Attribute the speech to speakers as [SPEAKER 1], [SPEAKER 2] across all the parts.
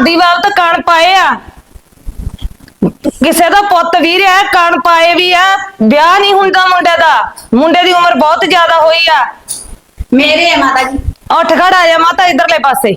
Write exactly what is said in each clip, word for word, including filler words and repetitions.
[SPEAKER 1] ਦਾਦੀ ਬਾਪ ਤਾਂ ਕਣ ਪਾਏ ਆ, ਕਿਸੇ ਦਾ ਪੁੱਤ ਵੀ ਰਿਹਾ ਕਣ ਪਾਏ ਵੀ ਆ। ਵਿਆਹ ਨਹੀਂ ਹੁੰਦਾ ਮੁੰਡੇ ਦਾ, ਮੁੰਡੇ ਦੀ ਉਮਰ ਬਹੁਤ ਜ਼ਿਆਦਾ ਹੋਈ ਆ।
[SPEAKER 2] ਮੇਰੇ ਆ ਮਾਤਾ ਜੀ।
[SPEAKER 1] ਉੱਠ ਖੜ ਆ ਜਾ ਮਾਤਾ ਇਧਰਲੇ ਪਾਸੇ।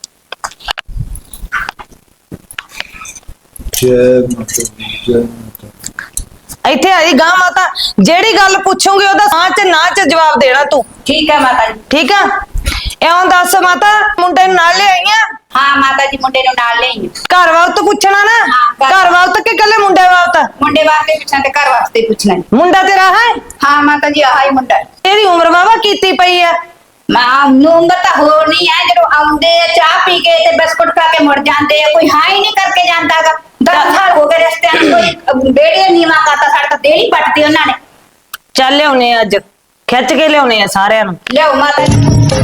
[SPEAKER 1] ਇੱਥੇ ਆ ਜੀ ਗਾਂ ਮਾਤਾ, ਜਿਹੜੀ ਗੱਲ ਪੁੱਛੂਗੀ ਉਹਦਾ ਹਾਂ ਚ ਨਾ ਚ ਜਵਾਬ ਦੇਣਾ ਤੂੰ।
[SPEAKER 2] ਠੀਕ ਹੈ ਮਾਤਾ ਜੀ।
[SPEAKER 1] ਠੀਕ ਆ। ਇਉਂ ਦੱਸ ਮਾਤਾ, ਮੁੰਡੇ ਨੂੰ ਨਾਲ ਲਿਆਈਆਂ?
[SPEAKER 2] ਹਾਂ ਮਾਤਾ ਜੀ, ਮੁੰਡੇ ਨੂੰ ਨਾਲ ਲਿਆਈ।
[SPEAKER 1] ਘਰ ਵਕਤ ਪੁੱਛਣਾ ਨਾ? ਘਰ ਵਕਤ ਕਿ ਕੱਲੇ ਮੁੰਡੇ ਵਕਤ?
[SPEAKER 2] ਮੁੰਡੇ ਵਾਸਤੇ ਪੁੱਛਣਾ ਤੇ ਘਰ ਵਾਸਤੇ ਪੁੱਛਣਾ।
[SPEAKER 1] ਮੁੰਡਾ ਤੇਰਾ ਹੈ?
[SPEAKER 2] ਹਾਂ ਮਾਤਾ ਜੀ, ਆਹ ਹੀ ਮੁੰਡਾ।
[SPEAKER 1] ਇਹਦੀ ਉਮਰ ਵਾਵਾ ਕੀਤੀ ਪਈ ਆ।
[SPEAKER 2] ਮਾਂ ਨੂੰ ਉਮਰ ਤਾਂ ਹੋਰ ਨਹੀਂ ਹੈ, ਜਦੋਂ ਆਉਂਦੇ ਆ ਚਾਹ ਪੀ ਕੇ ਤੇ ਬਿਸਕੁਟ ਖਾ ਕੇ ਮੁੜ ਜਾਂਦੇ ਆ, ਕੋਈ ਹਾਂ ਹੀ ਨਹੀਂ ਕਰਕੇ ਜਾਂਦਾਗਾ। ਦਸ ਸਾਲ ਹੋ ਗਏ ਰਸਤਿਆਂ ਨੂੰ, ਕੋਈ ਬੇੜੇ ਨੀਵਾ ਕਰਤਾ, ਸਾਡੇ ਤਾਂ ਦੇੜੀ ਪੱਟਦੀ ਉਹਨਾਂ ਨੇ।
[SPEAKER 1] ਚੱਲ ਲਿਆਉਣੇ ਅੱਜ, ਖਿੱਚ ਕੇ ਲਿਆਉਣੇ ਆ ਸਾਰਿਆਂ ਨੂੰ।
[SPEAKER 2] ਲਿਆਓ ਮਾਤਾ ਜੀ।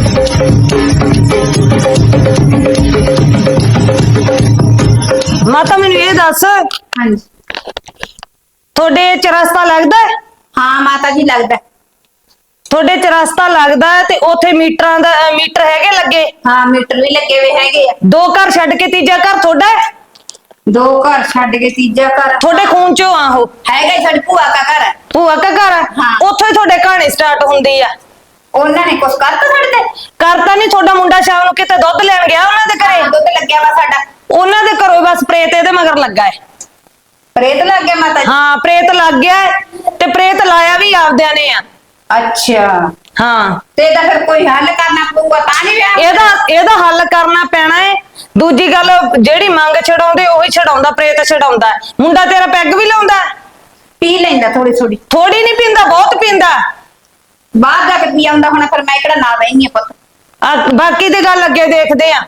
[SPEAKER 1] ਮਾਤਾ ਮੈਨੂੰ ਇਹ ਦੱਸ,
[SPEAKER 2] ਹਾਂਜੀ
[SPEAKER 1] ਤੁਹਾਡੇ ਚਰਸਤਾ ਲੱਗਦਾ?
[SPEAKER 2] ਹਾਂ ਮਾਤਾ ਜੀ, ਲੱਗਦਾ।
[SPEAKER 1] ਤੁਹਾਡੇ ਚਰਸਤਾ ਲੱਗਦਾ ਤੇ ਉੱਥੇ ਮੀਟਰਾਂ ਦਾ ਮੀਟਰ ਹੈਗੇ ਲੱਗੇ?
[SPEAKER 2] ਹਾਂ ਮੀਟਰ ਵੀ ਲੱਗੇ ਹੋਏ ਹੈਗੇ ਆ।
[SPEAKER 1] ਦੋ ਘਰ ਛੱਡ ਕੇ ਤੀਜਾ ਘਰ ਤੁਹਾਡਾ ਹੈ?
[SPEAKER 2] ਦੋ ਘਰ ਛੱਡ ਕੇ ਤੀਜਾ ਘਰ
[SPEAKER 1] ਤੁਹਾਡੇ ਖੂਨ ਚੋਂ ਆ ਉਹ?
[SPEAKER 2] ਹੈਗਾ, ਸਾਡੀ ਭੂਆ ਦਾ ਘਰ ਹੈ।
[SPEAKER 1] ਭੂਆ ਦਾ ਘਰ ਆ?
[SPEAKER 2] ਹਾਂ।
[SPEAKER 1] ਉੱਥੋਂ ਹੀ ਤੁਹਾਡੇ ਕਹਾਣੀ ਸਟਾਰਟ ਹੁੰਦੀ ਆ।
[SPEAKER 2] ਉਹਨਾਂ ਨੇ ਕੁਛ ਕਰਤਾ ਸਾਡੇ ਤੇ?
[SPEAKER 1] ਕਰਤਾ ਨਹੀਂ। ਤੁਹਾਡਾ ਮੁੰਡਾ ਸ਼ਾਮ ਨੂੰ ਕਿਤੇ ਦੁੱਧ ਲੈਣ ਗਿਆ ਉਹਨਾਂ ਦੇ ਘਰੇ?
[SPEAKER 2] ਦੁੱਧ ਲੱਗਿਆ ਵਾ ਸਾਡਾ।
[SPEAKER 1] ਉਹਨਾਂ ਦੇ ਘਰੋਂ ਬਸ ਪ੍ਰੇਤ ਇਹਦੇ ਮਗਰ ਲੱਗਾ ਹੈ।
[SPEAKER 2] ਪ੍ਰੇਤ ਲੱਗ ਗਿਆ ਮਾਤਾ ਜੀ?
[SPEAKER 1] ਹਾਂ ਪ੍ਰੇਤ ਲੱਗ ਗਿਆ ਹੈ, ਤੇ ਪ੍ਰੇਤ ਲਾਇਆ ਵੀ ਆਪਦਿਆਂ ਨੇ ਆ।
[SPEAKER 2] ਅੱਛਾ।
[SPEAKER 1] ਹਾਂ
[SPEAKER 2] ਤੇ ਇਹਦਾ ਫਿਰ ਕੋਈ ਹੱਲ ਕਰਨਾ ਪਊਗਾ ਤਾਂ ਨਹੀਂ ਵਿਆਹ?
[SPEAKER 1] ਇਹਦਾ ਇਹਦਾ ਹੱਲ ਕਰਨਾ ਪੈਣਾ ਹੈ। ਦੂਜੀ ਗੱਲ, ਜਿਹੜੀ ਮੰਗ ਛਡਾਉਂਦੇ ਉਹੀ ਛਡਾਉਂਦਾ, ਪ੍ਰੇਤ ਛਡਾਉਂਦਾ। ਮੁੰਡਾ ਤੇਰਾ ਪੈਗ ਵੀ ਲਾਉਂਦਾ?
[SPEAKER 2] ਪੀ ਲੈਂਦਾ ਥੋੜੀ ਥੋੜੀ।
[SPEAKER 1] ਥੋੜੀ ਨਹੀਂ ਪੀਂਦਾ, ਬਹੁਤ ਪੀਂਦਾ।
[SPEAKER 2] ਬਾਹਰ ਜਾ ਕੇ ਪੀ ਆਉਂਦਾ ਹੁਣ, ਫਿਰ ਮੈਂ ਕਿਹੜਾ ਨਾਲ ਬੈਣੀ ਆ ਪੁੱਤ।
[SPEAKER 1] ਆ ਬਾਕੀ ਦੀ ਗੱਲ ਅੱਗੇ ਦੇਖਦੇ ਆ।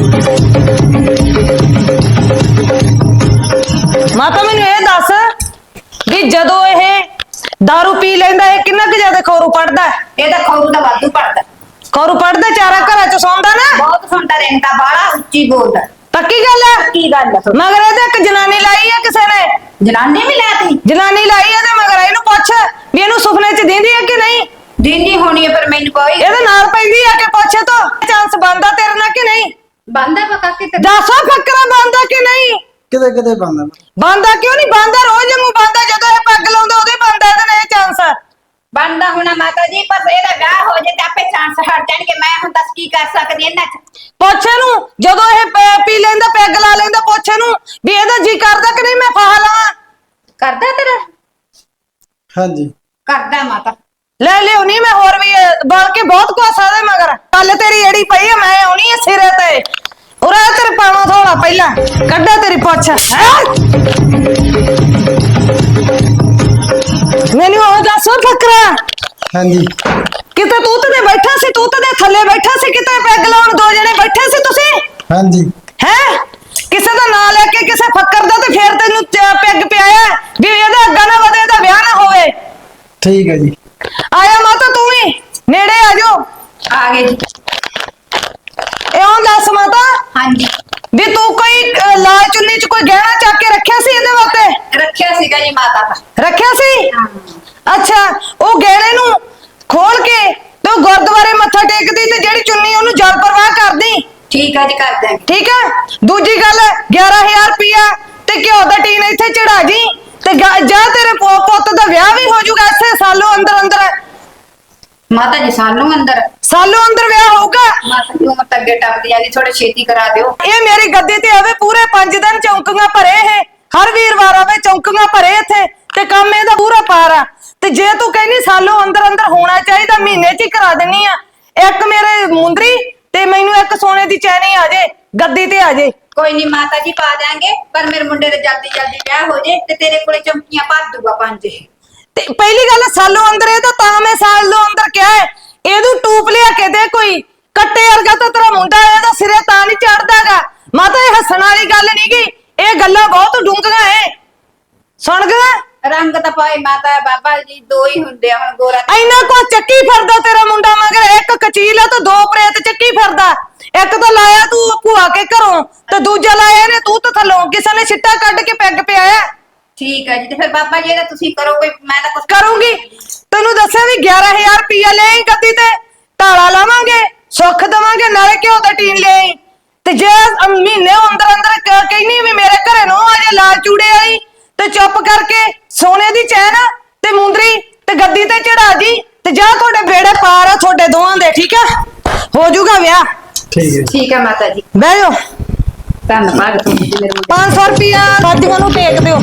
[SPEAKER 1] ਮਾਤਾ ਮੈਨੂੰ ਇਹ ਦੱਸ ਵੀ ਜਦੋਂ ਇਹ ਦਾਰੂ ਪੀ ਲੈਂਦਾ ਇਹ ਕਿੰਨਾ ਕੁ ਜ਼ਿਆਦਾ ਖੌਰੂ ਪੜਦਾ?
[SPEAKER 2] ਇਹਦਾ ਖੌਰੂ ਦਾ ਵਾਧੂ ਪੜਦਾ।
[SPEAKER 1] ਖੌਰੂ ਪੜਦਾ, ਚਾਰਾ ਘਰਾਂ ਚ ਸੌਂਦਾ ਨਾ?
[SPEAKER 2] ਬਹੁਤ ਸੁਣਦਾ ਰਹਿੰਦਾ, ਬਾਹਲਾ ਉੱਚੀ ਬੋਲਦਾ।
[SPEAKER 1] ਪੱਕੀ ਗੱਲ ਹੈ?
[SPEAKER 2] ਕੀ ਗੱਲ ਹੈ?
[SPEAKER 1] ਮਗਰ ਇਹਦੇ ਇੱਕ ਜਨਾਨੀ ਲਾਈ ਆ ਕਿਸੇ ਨੇ?
[SPEAKER 2] ਜਨਾਨੀ ਵੀ ਲੈਤੀ?
[SPEAKER 1] ਜਨਾਨੀ ਲਾਈ ਆ ਤੇ ਮਗਰ ਇਹਨੂੰ ਪੁੱਛ ਵੀ ਇਹਨੂੰ ਸੁਪਨੇ ਚ ਦਿੰਦੀ ਹੈ ਕਿ ਨਹੀਂ?
[SPEAKER 2] ਦਿੰਦੀ ਹੋਣੀ ਹੈ, ਪਰ ਮੈਨੂੰ ਕੋਈ
[SPEAKER 1] ਇਹਦੇ ਨਾਲ ਪੈਂਦੀ ਆ ਕਿ ਪੁੱਛੇ ਤੋਂ ਚਾਂਸ ਬਣਦਾ ਤੇਰੇ ਨਾਲ ਕਿ ਨਹੀਂ?
[SPEAKER 2] ਬੰਦਾ ਪਕਾ ਕੇ ਤੇ
[SPEAKER 1] ਦੱਸੋ ਫੱਕਰਾ ਬਣਦਾ ਕਿ ਨਹੀਂ?
[SPEAKER 3] ਕਿਤੇ ਕਿਤੇ ਬੰਦਾ
[SPEAKER 1] ਬੰਦਾ ਕਿਉਂ ਨਹੀਂ ਬੰਦਾ? ਰੋਜ਼ ਨੂੰ ਬੰਦਾ, ਜਦੋਂ ਇਹ ਪੱਗ ਲਾਉਂਦਾ ਉਹਦੇ ਬੰਦਾ ਇਹਦੇ ਨਾਲ ਇਹ ਚਾਂਸ
[SPEAKER 2] ਬੰਦਾ ਹੋਣਾ ਮਾਤਾ ਜੀ, ਪਰ ਇਹਦਾ ਵਿਆਹ ਹੋ ਜੇ ਤੇ ਆਪੇ ਚਾਂਸ ਹਟ ਜਾਣਗੇ। ਮੈਂ ਹੁਣ ਦੱਸ ਕੀ ਕਰ ਸਕਦੀ ਇਹਨਾਂ ਚ?
[SPEAKER 1] ਪੁੱਛ ਨੂੰ, ਜਦੋਂ ਇਹ ਪ- ਪੀ ਲੈਂਦਾ ਪੈਗ ਲਾ ਲੈਂਦਾ, ਪੁੱਛ ਨੂੰ ਵੀ ਇਹਦਾ ਜੀ ਕਰਦਾ ਕਿ ਨਹੀਂ ਮੈਂ ਫਾਹ ਲਾਵਾਂ?
[SPEAKER 2] ਕਰਦਾ ਤੇਰਾ?
[SPEAKER 3] ਹਾਂਜੀ
[SPEAKER 2] ਕਰਦਾ ਮਾਤਾ।
[SPEAKER 1] ਲੈ ਲਿਓ ਨਹੀਂ, ਮੈਂ ਹੋਰ ਵੀ ਬਲ ਕੇ ਬਹੁਤ ਕੋਸਾ ਦੇ ਮਗਰ। ਕੱਲ ਤੇਰੀ ਏੜੀ ਪਈ ਆ, ਮੈਂ ਆਉਣੀ ਆ ਸਿਰੇ ਤੇ। ਉਰਾ ਤੇਰੇ ਪਾਵਾਂ ਥੋੜਾ ਪਹਿਲਾਂ ਕੱਢਾ ਤੇਰੀ ਪੁੱਛ। ਮੈਨੂੰ ਉਹ ਦੱਸ ਫਕਰਾ,
[SPEAKER 3] ਹਾਂਜੀ
[SPEAKER 1] ਕਿਤੇ ਤੂੰ ਤੇ ਬੈਠਾ ਸੀ, ਤੂੰ ਤੇ ਥੱਲੇ ਬੈਠਾ ਸੀ, ਕਿਤੇ ਪੈਗ ਲਾਉਣ ਦੋ ਜਣੇ ਬੈਠੇ ਸੀ ਤੁਸੀਂ?
[SPEAKER 3] ਹਾਂਜੀ
[SPEAKER 1] ਹੈ ਕਿਸੇ ਦਾ ਨਾਂ ਲੈ ਕੇ ਕਿਸੇ ਫੱਕਰ ਦਾ, ਤੇ ਫੇਰ ਤੈਨੂੰ ਪੈਗ ਪਿਆਇਆ ਵੀ ਇਹਦਾ ਅੱਗਾ ਨਾ ਵਧੇ, ਇਹਦਾ ਵਿਆਹ ਨਾ ਹੋਵੇ।
[SPEAKER 3] ਠੀਕ ਹੈ ਜੀ।
[SPEAKER 1] ਆਇਆ ਮਾਤਾ ਤੂੰ ਵੀ ਨੇੜੇ ਆ ਜਾਓ।
[SPEAKER 2] ਆ ਗਏ ਜੀ।
[SPEAKER 1] ਇਉਂ ਦੱਸ ਮਾਤਾ
[SPEAKER 2] ਹਾਂਜੀ
[SPEAKER 1] ਵੀ ਤੂੰ ਕੋਈ ਅਹ, ਲਾਲ ਚੁੰਨੀ ਚ ਕੋਈ ਗਹਿਣਾ ਚੱਕ ਕੇ ਰੱਖਿਆ ਸੀ ਇਹਦੇ ਵਾਸਤੇ?
[SPEAKER 2] ਰੱਖਿਆ ਸੀਗਾ ਜੀ ਮਾਤਾ ਦਾ।
[SPEAKER 1] ਰੱਖਿਆ ਸੀ? ਅੱਛਾ, ਉਹ ਗਹਿਣੇ ਨੂੰ ਖੋਲ ਕੇ ਤੇ ਉਹ ਗੁਰਦੁਆਰੇ ਮੱਥਾ ਟੇਕਦੀ ਤੇ ਜਿਹੜੀ ਚੁੰਨੀ ਉਹਨੂੰ ਜਲ ਪ੍ਰਵਾਹ ਕਰਦੀ।
[SPEAKER 2] ਠੀਕ ਹੈ ਜੀ, ਕਰ ਦਾਂਗੇ।
[SPEAKER 1] ਠੀਕ ਹੈ। ਦੂਜੀ ਗੱਲ, ਗਿਆਰਾਂ ਹਜ਼ਾਰ ਰੁਪਇਆ ਤੇ ਘਿਓ ਦਾ ਟੀਨ ਇੱਥੇ ਚੜਾ ਜੀ, ਤੇ ਜਾ ਤੇਰੇ ਪੁੱਤ ਦਾ ਵਿਆਹ ਵੀ ਹੋ ਜਾਊਗਾ ਇਸੇ ਸਾਲੋਂ ਅੰਦਰ ਅੰਦਰ।
[SPEAKER 2] ਮਾਤਾ ਜੀ ਸਾਨੂੰ ਅੰਦਰ
[SPEAKER 1] ਸਾਲੋਂ ਅੰਦਰ ਵਿਆਹ ਹੋਊਗਾ।
[SPEAKER 2] ਮਾਤਾ ਜੀ ਉਮਰ ਤਾਂ ਅੱਗੇ ਟੱਪਦੀ ਜਾਂਦੀ, ਥੋੜੇ ਛੇਤੀ ਕਰਾ ਦਿਓ।
[SPEAKER 1] ਇਹ ਮੇਰੀ ਗੱਦੀ ਤੇ ਆਵੇ, ਪੂਰੇ ਪੰਜ ਦਿਨ ਚੌਂਕੀਆਂ ਭਰੇ ਇਹ, ਹਰ ਵੀਰਵਾਰ ਆਵੇ ਚੌਂਕੀਆਂ ਭਰੇ ਇੱਥੇ, ਤੇ ਕੰਮ ਇਹਦਾ ਪੂਰਾ ਪਾਰ ਆ। ਤੇ ਜੇ ਤੂੰ ਕਹਿੰਦੀ ਸਾਲੋਂ ਅੰਦਰ ਅੰਦਰ ਹੋਣਾ ਚਾਹੀਦਾ, ਮਹੀਨੇ ਚ ਹੀ ਕਰਾ ਦਿੰਨੀ ਆ। ਇੱਕ ਮੇਰੇ ਮੁੰਦਰੀ ਤੇ ਮੈਨੂੰ ਇੱਕ ਸੋਨੇ ਦੀ ਚੈਨੀ ਆ ਜੇ, ਗੱਦੀ ਤੇ ਆ ਜੇ।
[SPEAKER 2] ਕੋਈ ਨਹੀਂ ਮਾਤਾ ਜੀ, ਪਾ ਦਾਂਗੇ, ਪਰ ਮੇਰੇ ਮੁੰਡੇ ਦੇ ਜਲਦੀ ਜਲਦੀ ਵਿਆਹ ਹੋ ਜੇ ਤੇ ਤੇਰੇ ਕੋਲੇ ਚਮਕੀਆਂ ਭਰ ਦੂਗਾ ਪੰਜ।
[SPEAKER 1] ਤੇ ਪਹਿਲੀ ਗੱਲ ਸਾਲੋਂ ਅੰਦਰ, ਇਹ ਤਾਂ ਤਾਂ ਮੈਂ ਸਾਲੋਂ ਅੰਦਰ ਕਿਹਾ ਹੈ, ਇਹਨੂੰ ਟੂਪ ਲਿਆ ਕੇ ਦੇ ਕੋਈ ਕੱਟੇ ਵਰਗਾ, ਤਾਂ ਤੇਰਾ ਮੁੰਡਾ ਇਹਦਾ ਸਿਰੇ ਤਾਂ ਨਹੀਂ ਚੜਦਾਗਾ। ਮਾਤਾ ਇਹ ਹੱਸਣ ਵਾਲੀ ਗੱਲ ਨਹੀਂ ਗੀ, ਇਹ ਗੱਲਾਂ ਬਹੁਤ ਡੂੰਘੀਆਂ ਐ। ਸੁਣ ਗਿਆ?
[SPEAKER 2] ਰੰਗ ਤਾਂ ਪਾਏ ਮਾਤਾ ਬਾਬਾ ਜੀ, ਦੋ ਹੀ ਹੁੰਦੇ ਆ ਹੁਣ, ਗੋਰਾ
[SPEAKER 1] ਇੰਨਾ ਕੋ ਚੱਕੀ ਫਿਰਦਾ ਤੇਰਾ ਮੁੰਡਾ ਮਗਰ, ਇੱਕ ਕਚੀਲ ਆ ਤੇ ਦੋ ਪ੍ਰੇਤ ਚੱਕੀ ਫਿਰਦਾ। ਇੱਕ ਤਾਂ ਲਾਇਆ ਤੂੰ ਭੂਆ ਕੇ ਘਰੋਂ, ਤੇ ਦੂਜਾ ਲਾਇਆ ਨੇ ਤੂੰ ਤਾਂ ਥੱਲੋਂ, ਕਿਸੇ ਨੇ ਛਿੱਟਾ ਕੱਢ ਕੇ ਪੈਗ ਪਿਆਇਆ।
[SPEAKER 2] ਠੀਕ ਹੈ ਜੀ, ਤੇ ਫਿਰ ਬਾਬਾ ਜੀ ਇਹਦਾ ਤੁਸੀਂ ਕਰੋ ਕੋਈ, ਮੈਂ ਤਾਂ ਕੁਛ
[SPEAKER 1] ਕਰੂੰਗੀ। ਤੈਨੂੰ ਦੱਸਿਆ ਵੀ ਗਿਆਰਾਂ ਹਜ਼ਾਰ ਰੁਪਇਆ ਲੈ ਆਈ ਗੱਦੀ ਤੇ, ਤਾਲਾ ਲਾਵਾਂਗੇ, ਸੁੱਖ ਦੇਵਾਂਗੇ, ਨਾਲੇ ਘਿਓ ਦਾ ਟੀਨ ਲੈ ਆਈ। ਤੇ ਜੇ ਅਮ ਮਹੀਨੇ ਅੰਦਰ ਅੰਦਰ ਕ- ਕਹਿੰਦੀ ਵੀ ਮੇਰੇ ਘਰੇ ਨੂੰ ਆ ਜੇ ਲਾਲ ਚੂੜੇ ਵਾਲੀ ਤੇ ਚੁੱਪ ਕਰਕੇ ਸੋਨੇ ਦੀ ਚੈਨ ਤੇ ਮੁੰਦਰੀ ਤੇ ਗੱਦੀ ਤੇ ਚੜਾ ਜੀ ਤੇ ਜਾ ਤੁਹਾਡੇ ਬੇੜੇ ਪਾਰ ਆ ਤੁਹਾਡੇ ਦੋਵਾਂ ਦੇ, ਠੀਕ ਆ? ਹੋ ਜਾਊਗਾ ਵਿਆਹ।
[SPEAKER 3] ਠੀਕ ਹੈ
[SPEAKER 2] ਠੀਕ ਹੈ ਮਾਤਾ ਜੀ,
[SPEAKER 1] ਬਹਿ ਜਾਓ।
[SPEAKER 2] ਧੰਨਵਾਦ ਤੁਹਾਡੀ ਮੇਰੇ ਮੁੰਡੇ
[SPEAKER 1] ਪੰਜ ਸੌ ਰੁਪਿਆ ਸਾਡੀਆਂ ਨੂੰ ਟੇਕ ਦਿਓ।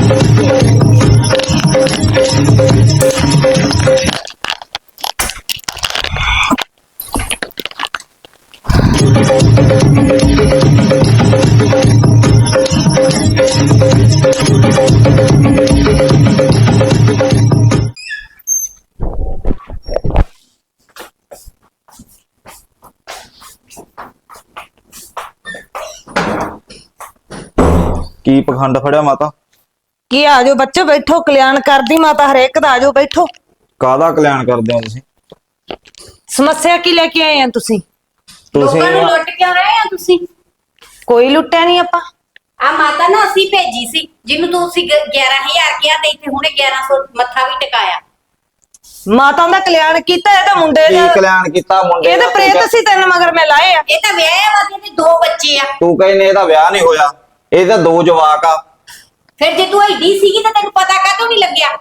[SPEAKER 4] ਕੀ ਪਖੰਡ ਫੜਿਆ ਮਾਤਾ?
[SPEAKER 1] ਕੀ ਆ ਜਾਓ ਬੱਚੇ, ਬੈਠੋ। ਕਲਿਆਣ ਕਰਦੀ ਮਾਤਾ ਹਰੇਕ ਦਾ, ਆ ਜਾਓ ਬੈਠੋ।
[SPEAKER 4] ਕਾਹਦਾ ਕਲਿਆਣ ਕਰਦੇ ਹੋ ਤੁਸੀਂ?
[SPEAKER 1] ਸਮੱਸਿਆ ਕੀ ਲੈ ਕੇ ਆਏ ਆ ਤੁਸੀਂ?
[SPEAKER 4] ਤੁਸੀਂ
[SPEAKER 2] ਲੋਕਾਂ ਨੂੰ ਲੁੱਟ ਕਿਉਂ ਰਹੇ ਆ ਤੁਸੀਂ?
[SPEAKER 1] ਕੋਈ ਲੁੱਟਿਆ ਨਹੀਂ ਆਪਾਂ।
[SPEAKER 2] ਆ ਮਾਤਾ ਨਾ ਅਸੀਂ ਭੇਜੀ ਸੀ, ਜਿਹਨੂੰ ਤੁਸੀਂ ਗਿਆਰਾਂ ਹਜ਼ਾਰ ਕਿਹਾ ਤੇ ਇੱਥੇ ਹੁਣੇ ਗਿਆਰਾਂ ਸੌ ਮੱਥਾ ਵੀ ਟਿਕਾਇਆ।
[SPEAKER 1] ਮਾਤਾ ਦਾ ਕਲਿਆਣ ਕੀਤਾ, ਇਹਦਾ ਮੁੰਡੇ
[SPEAKER 4] ਕੀ
[SPEAKER 1] ਦਾ
[SPEAKER 4] ਕਲਿਆਣ ਕੀਤਾ ਮੁੰਡੇ
[SPEAKER 1] ਇਹਦੇ
[SPEAKER 4] ਦਾ?
[SPEAKER 1] ਪ੍ਰੇਤ ਸੀ, ਤਿੰਨ ਮਗਰ ਮੈਂ ਲਾਏ ਆ।
[SPEAKER 2] ਇਹ ਤਾਂ ਵਿਆਹ ਵਾ ਤੇ ਇਹਦੇ ਦੋ ਬੱਚੇ ਆ।
[SPEAKER 4] ਤੂੰ ਕਹਿੰਨੇ ਇਹਦਾ ਵਿਆਹ ਨਹੀਂ ਹੋਇਆ, ਇਹਦਾ ਦੋ ਜਵਾਕ ਆ।
[SPEAKER 2] ਫਿਰ ਜੇ ਤੂੰ ਐਡੀ ਸੀਗੀ ਤਾਂ ਤੈਨੂੰ ਪਤਾ ਕਾਹਤੋਂ ਨਹੀਂ ਲੱਗਿਆ?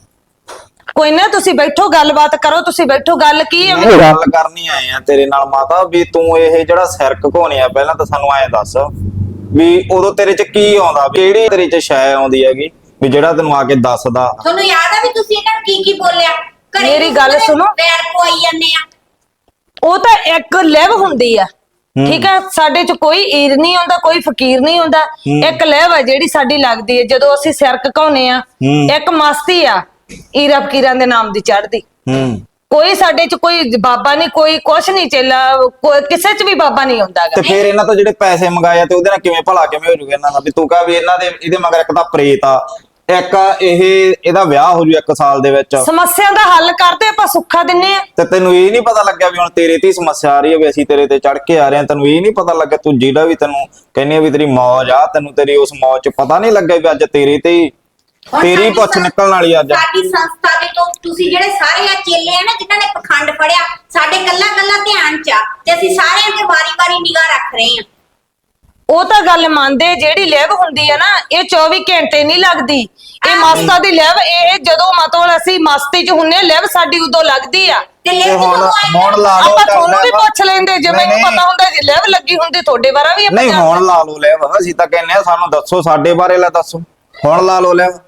[SPEAKER 1] ਕੋਈ ਨਾ, ਤੁਸੀਂ ਬੈਠੋ, ਗੱਲਬਾਤ ਕਰੋ। ਤੁਸੀਂ ਬੈਠੋ, ਗੱਲ ਕੀ ਹੈ?
[SPEAKER 4] ਨਹੀਂ, ਗੱਲ ਕਰਨੀ ਆਏ ਆ ਤੇਰੇ ਨਾਲ ਮਾਤਾ ਵੀ ਤੂੰ ਇਹ ਜਿਹੜਾ ਸਿਰ ਘਕੋਨੇ ਆ, ਪਹਿਲਾਂ ਤਾਂ ਸਾਨੂੰ ਐਂ ਦੱਸ ਵੀ ਉਦੋਂ ਤੇਰੇ ਚ ਕੀ ਆਉਂਦਾ, ਕਿਹੜੀ ਤੇਰੇ ਚ ਸ਼ੈ ਆਉਂਦੀ ਹੈਗੀ ਵੀ ਜਿਹੜਾ ਤੈਨੂੰ ਆ ਕੇ ਦੱਸਦਾ?
[SPEAKER 2] ਤੁਹਾਨੂੰ ਯਾਦ ਆ ਵੀ ਤੁਸੀਂ ਇਹਨਾਂ ਨੂੰ ਕੀ ਕੀ ਬੋਲਿਆ? ਘਰੇ
[SPEAKER 1] ਮੇਰੀ
[SPEAKER 2] ਤੁਸੀਂ
[SPEAKER 1] ਗੱਲ
[SPEAKER 2] ਉਹਦੇ
[SPEAKER 1] ਸੁਣੋ।
[SPEAKER 2] ਪੈਰ ਪਵਾਈ ਜਾਂਦੇ ਆ।
[SPEAKER 1] ਉਹ ਤਾਂ ਇੱਕ ਲਿਵ ਹੁੰਦੀ ਆ, ਠੀਕ ਆ? ਸਾਡੇ ਚ ਕੋਈ ਈਰ ਨਹੀਂ ਹੁੰਦਾ, ਕੋਈ ਫਕੀਰ ਨਹੀਂ ਹੁੰਦਾ। ਇੱਕ ਲਿਵ ਆ ਜਿਹੜੀ ਸਾਡੀ ਲੱਗਦੀ ਹੈ ਜਦੋਂ ਅਸੀਂ ਸਿਰ ਘਕਾਉਨੇ ਆ। ਇੱਕ ਮਸਤੀ ਆ ਈਰਾ ਫਕੀਰਾਂ ਦੇ ਨਾਮ ਦੀ ਚੜ੍ਹਦੀ।
[SPEAKER 4] ਹੂੰ
[SPEAKER 1] ਕੋਈ ਸਾਡੇ ਚ ਕੋਈ ਬਾਬਾ ਨਹੀਂ, ਕੋਈ ਕੁਛ ਨਹੀਂ ਚੇਲਾ, ਕੋਈ ਕਿਸੇ ਚ ਵੀ ਬਾਬਾ ਨਹੀਂ ਹੁੰਦਾ
[SPEAKER 4] ਤੇ
[SPEAKER 1] ਗਾ।
[SPEAKER 4] ਫਿਰ ਇਹਨਾਂ ਤੋਂ ਜਿਹੜੇ ਪੈਸੇ ਮੰਗਾਏ ਆ ਤੇ ਉਹਦੇ ਨਾਲ ਕਿਵੇਂ ਭਲਾ ਕਿਵੇਂ ਹੋ ਜੂਗਾ ਇਹਨਾਂ ਦਾ? ਵੀ ਤੂੰ ਕਹ ਵੀ ਇਹਨਾਂ ਦੇ ਇਹਦੇ ਮਗਰ ਇੱਕ ਤਾਂ ਪ੍ਰੇਤ ਆ, ਇੱਕ ਇਹ ਇਹਦਾ ਵਿਆਹ ਹੋ ਜੂ ਇੱਕ ਸਾਲ ਦੇ ਵਿੱਚ,
[SPEAKER 1] ਸਮੱਸਿਆ ਦਾ ਹੱਲ ਕਰਦੇ ਆਪਾਂ, ਸੁੱਖਾ ਦਿੰਨੇ ਆ।
[SPEAKER 4] ਤੇ ਤੈਨੂੰ ਇਹ ਨਹੀਂ ਪਤਾ ਲੱਗਿਆ ਵੀ ਹੁਣ ਤੇਰੇ ਤੇ ਹੀ ਸਮੱਸਿਆ ਆ ਰਹੀ ਹੈ ਵੀ ਅਸੀਂ ਤੇਰੇ ਤੇ ਚੜ ਕੇ ਆ ਰਹੇ ਹਾਂ? ਤੈਨੂੰ ਇਹ ਨਹੀਂ ਪਤਾ ਲੱਗਿਆ ਤੂੰ ਜਿਹੜਾ ਵੀ ਤੈਨੂੰ ਕਹਿੰਦੀ ਆ ਵੀ ਤੇਰੀ ਮੌਜ ਆ, ਤੈਨੂੰ ਤੇਰੀ ਉਸ ਮੌਜ ਚ ਪਤਾ ਨਹੀਂ ਲੱਗਿਆ ਵੀ ਅੱਜ ਤੇਰੇ ਤੇ ਹੀ
[SPEAKER 2] ਹੁਣ
[SPEAKER 4] ਤੇਰੀ
[SPEAKER 2] ਸਾਡੀ
[SPEAKER 4] ਪੁੱਛ
[SPEAKER 2] ਸੰਸ-
[SPEAKER 4] ਨਿਕਲਣ ਵਾਲੀ ਅੱਜ।
[SPEAKER 2] ਸਾਡੀ ਸੰਸਥਾ ਦੇ ਤੋਂ ਤੁਸੀਂ ਜਿਹੜੇ ਸਾਰੇ ਆ ਚੇਲੇ ਆ ਨਾ ਜਿਨ੍ਹਾਂ ਨੇ ਪਖੰਡ ਫੜਿਆ, ਸਾਡੇ ਕੱਲਾ ਕੱਲਾ ਧਿਆਨ ਚ ਆ ਤੇ ਅਸੀਂ ਸਾਰਿਆਂ ਤੇ ਵਾਰੀ-ਵਾਰੀ ਨਿਗਾਹ ਰੱਖ ਰਹੇ ਆ।
[SPEAKER 1] ਉਹ ਤਾਂ ਗੱਲ ਮੰਨਦੇ, ਜਿਹੜੀ ਲਿਵ ਹੁੰਦੀ ਆ ਨਾ ਇਹ ਚੌਵੀ ਘੰਟੇ ਨਹੀਂ ਲੱਗਦੀ। ਇਹ ਮਸਤਾ ਦੀ ਲਿਵ, ਇਹ ਜਦੋਂ ਮਤਲਬ ਅਸੀਂ ਮਸਤੀ ਚ ਹੁੰਨੇ, ਲਿਵ ਸਾਡੀ ਉਦੋਂ ਲੱਗਦੀ ਆ।
[SPEAKER 2] ਤੇ ਲੈ
[SPEAKER 4] ਤੇ
[SPEAKER 2] ਜਦੋਂ
[SPEAKER 4] ਹੁਣ
[SPEAKER 2] ਆਈ
[SPEAKER 4] ਹੁਣ ਲਾ ਲਓ
[SPEAKER 1] ਆਪਾਂ
[SPEAKER 4] ਚੱਲ
[SPEAKER 1] ਤੁਹਾਨੂੰ ਵੀ
[SPEAKER 4] ਮੈਂ-
[SPEAKER 1] ਪੁੱਛ ਲੈਂਦੇ, ਜੇ
[SPEAKER 4] ਨਹੀਂ,
[SPEAKER 1] ਮੈਨੂੰ
[SPEAKER 4] ਨਹੀਂ।
[SPEAKER 1] ਪਤਾ ਹੁੰਦਾ ਜੇ ਲਿਵ ਲੱਗੀ ਹੁੰਦੀ ਤੁਹਾਡੇ ਬਾਰੇ ਵੀ ਆਪਾਂ
[SPEAKER 4] ਨਹੀਂ
[SPEAKER 1] ਜਾਣਦੇ।
[SPEAKER 4] ਹੁਣ ਲਾ ਲਓ ਲੈ ਅਸੀਂ ਤਾਂ ਕਹਿੰਨੇ ਆ ਸਾਨੂੰ ਦੱਸੋ ਸਾਡੇ ਬਾਰੇ ਲੈ ਦੱਸੋ, ਹੁਣ ਲਾ ਲਓ ਲੈ।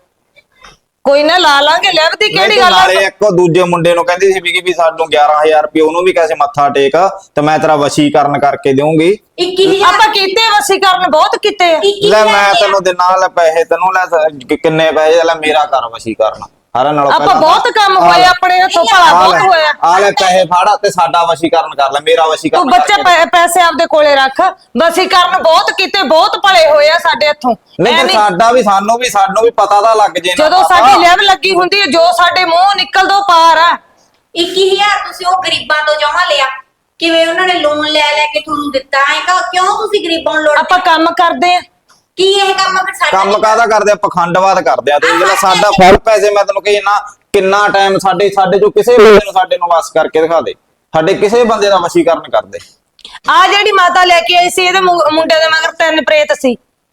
[SPEAKER 1] ਕੋਈ ਨਾ ਲਾ ਲਾਂਗੇ, ਲਿਵ ਦੀ ਕਿਹੜੀ ਗੱਲ ਆ?
[SPEAKER 4] ਨਾਲੇ ਇੱਕ ਦੂਜੇ ਮੁੰਡੇ ਨੂੰ ਕਹਿੰਦੀ ਸੀ ਵੀ ਵੀ ਸਾਨੂੰ ਗਿਆਰਾਂ ਹਜ਼ਾਰ ਰੁਪਏ ਉਹਨੂੰ ਵੀ ਕੈਸੇ ਮੱਥਾ ਟੇਕ ਤੇ ਮੈਂ ਤੇਰਾ ਵਸ਼ੀਕਰਨ ਕਰਕੇ ਦੇਵਾਂਗੀ।
[SPEAKER 2] ਇੱਕੀ ਹਜ਼ਾਰ
[SPEAKER 1] ਆਪਾਂ ਕੀਤੇ ਵਸੀਕਰਨ ਬਹੁਤ ਕੀਤੇ ਆ।
[SPEAKER 2] ਇੱਕੀ
[SPEAKER 4] ਲੈ
[SPEAKER 2] ਹਜ਼ਾਰ
[SPEAKER 4] ਮੈਂ
[SPEAKER 2] ਰੁਪਇਆ।
[SPEAKER 4] ਤੈਨੂੰ ਦੇ ਨਾਲ ਪੈਸੇ ਤੈਨੂੰ ਲੈ ਕਿ- ਕਿੰਨੇ ਪੈਸੇ ਲੈ ਮੇਰਾ ਕਰ ਵਸ਼ੀਕਰਨ ਸਾਰਿਆਂ ਨਾਲੋਂ
[SPEAKER 1] ਆਪਾਂ
[SPEAKER 4] ਪਹਿਲਾਂ
[SPEAKER 1] ਬਹੁਤ ਕੰਮ ਹੋਏ ਆਪਣੇ ਹੱਥੋਂ, ਭਲਾ
[SPEAKER 4] ਆ
[SPEAKER 1] ਬਹੁਤ
[SPEAKER 4] ਲੈ,
[SPEAKER 1] ਹੋਇਆ।
[SPEAKER 4] ਆ ਲੈ ਪੈਸੇ ਫਾੜਾ ਤੇ ਸਾਡਾ ਵਸ਼ੀਕਰਨ ਕਰ ਲੈ, ਮੇਰਾ
[SPEAKER 1] ਤੂੰ
[SPEAKER 4] ਵਸ਼ੀਕਰਨ
[SPEAKER 1] ਬੱਚੇ
[SPEAKER 4] ਕਰਕੇ
[SPEAKER 1] ਪੈ- ਪੈਸੇ ਆਪਦੇ ਕੋਲੇ ਰੱਖ। ਵਸੀਕਰਨ ਬਹੁਤ ਕੀਤੇ, ਬਹੁਤ ਭਲੇ ਹੋਏ ਆ ਸਾਡੇ ਹੱਥੋਂ।
[SPEAKER 4] ਨਹੀਂ ਤੇ
[SPEAKER 1] ਐਵੇਂ-
[SPEAKER 4] ਸਾਡਾ ਵੀ ਸਾਨੂੰ ਵੀ ਸਾਨੂੰ ਵੀ ਪਤਾ ਤਾਂ ਲੱਗ ਜੇ ਨਾ
[SPEAKER 1] ਜਦੋਂ
[SPEAKER 4] ਪਤਾ।
[SPEAKER 1] ਸਾਡੀ ਲਿਵ ਲੱਗੀ ਹੁੰਦੀ ਹੈ, ਜੋ ਸਾਡੇ ਮੂੰਹ ਨਿਕਲਦਾ ਉਹ ਪਾਰ ਆ।
[SPEAKER 2] ਇੱਕੀ ਹਜ਼ਾਰ ਤੁਸੀਂ ਉਹ ਗਰੀਬਾਂ ਤੋਂ ਜਮਾ ਲਿਆ, ਕਿਵੇਂ ਉਹਨਾਂ ਨੇ ਲੋਨ ਲੈ ਲੈ ਕੇ ਤੁਹਾਨੂੰ ਦਿੱਤਾ ਹੈ? ਕਿਉਂ ਤੁਸੀਂ ਗਰੀਬਾਂ ਨੂੰ ਲੋੜ?
[SPEAKER 1] ਆਪਾਂ ਕੰਮ ਕਰਦੇ ਆ।
[SPEAKER 2] ਕੀ ਇਹ ਕੰਮ ਫਿਰ ਸਾਡਾ
[SPEAKER 4] ਕੰਮ
[SPEAKER 2] ਨਹੀਂ
[SPEAKER 4] ਕਾਹਦਾ ਕਰਦੇ ਆ? ਪਖੰਡਵਾਦ ਕਰਦੇ ਆ ਤੇ ਜਿਹੜਾ ਸਾਡਾ ਫੁੱਲ ਪੈਸੇ ਮੈਂ ਤੈਨੂੰ ਕਹੀ ਨਾ ਕਿੰਨਾ ਟਾਈਮ ਸਾਡੇ ਸਾਡੇ ਚੋਂ ਕਿਸੇ ਬੰਦੇ ਨੂੰ ਸਾਡੇ ਨੂੰ ਵਸ ਕਰਕੇ ਦਿਖਾ ਦੇ, ਸਾਡੇ ਕਿਸੇ ਬੰਦੇ ਦਾ ਵਸ਼ੀਕਰਨ ਕਰਦੇ।
[SPEAKER 1] ਆ ਜਿਹੜੀ ਮਾਤਾ ਲੈ ਕੇ ਆਈ ਸੀ, ਇਹਦੇ ਮੁ- ਮੁੰਡੇ ਦੇ ਮਗਰ ਤਿੰਨ ਪ੍ਰੇਤ ਸੀ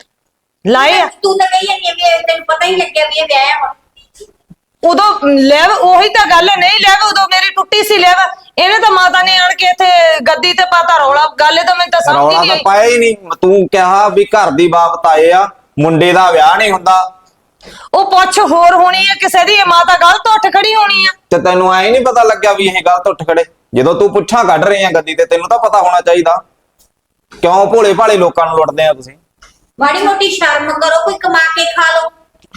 [SPEAKER 1] ਲਾਏ ਆ।
[SPEAKER 2] ਤੂੰ ਤਾਂ ਕਹੀ ਜਾਂਦੀ ਆ ਵੀ ਤੈਨੂੰ ਪਤਾ ਹੀ ਲੱਗਿਆ ਵੀ ਇਹ ਵਿਆਹ ਵਾ।
[SPEAKER 1] ਉਦੋਂ ਲੈਵ ਉਹੀ ਤਾਂ ਗੱਲ ਹੈ, ਨਹੀਂ ਲੈਵ ਉਦੋਂ ਮੇਰੀ ਟੁੱਟੀ ਸੀ ਲੈਵ। ਇਹਨੇ ਤਾਂ ਮਾਤਾ ਨੇ ਆਣ ਕੇ ਇੱਥੇ ਗੱਦੀ ਤੇ ਪਾਤਾ ਰੌਲਾ। ਗੱਲ ਤਾਂ ਮੈਨੂੰ ਤਾਂ ਸਮਝ
[SPEAKER 4] ਰੌਲਾ
[SPEAKER 1] ਨਹੀਂ
[SPEAKER 4] ਤਾਂ
[SPEAKER 1] ਆਈ।
[SPEAKER 4] ਪਾਇਆ ਹੀ ਨਹੀਂ। ਤੂੰ ਕਿਹਾ ਵੀ ਘਰ ਦੀ ਬਾਬਤ ਆਏ ਆ, ਮੁੰਡੇ ਦਾ ਵਿਆਹ ਨਹੀਂ ਹੁੰਦਾ
[SPEAKER 1] ਉਹ ਪੁੱਛ ਹੋਰ ਹੋਣੀ ਆ ਕਿਸੇ ਦੀ, ਇਹ ਮਾਤਾ ਗਲਤ ਉੱਠ ਖੜੀ ਹੋਣੀ ਆ।
[SPEAKER 4] ਤੇ ਤੈਨੂੰ ਐ ਨਹੀਂ ਪਤਾ ਲੱਗਿਆ ਵੀ ਇਹ ਗਲਤ ਉੱਠ ਖੜੇ? ਜਦੋਂ ਤੂੰ ਪੁੱਛਾਂ ਕੱਢ ਰਹੀ ਆ ਗੱਦੀ ਤੇ ਤੈਨੂੰ ਤਾਂ ਪਤਾ ਹੋਣਾ ਚਾਹੀਦਾ। ਕਿਉਂ ਭੋਲੇ ਭਾਲੇ ਲੋਕਾਂ ਨੂੰ ਲੁੱਟਦੇ ਆ ਤੁਸੀਂ?
[SPEAKER 2] ਮਾੜੀ ਮੋਟੀ ਸ਼ਰਮ ਕਰੋ, ਕੋਈ ਕਮਾ ਕੇ ਖਾ ਲਓ।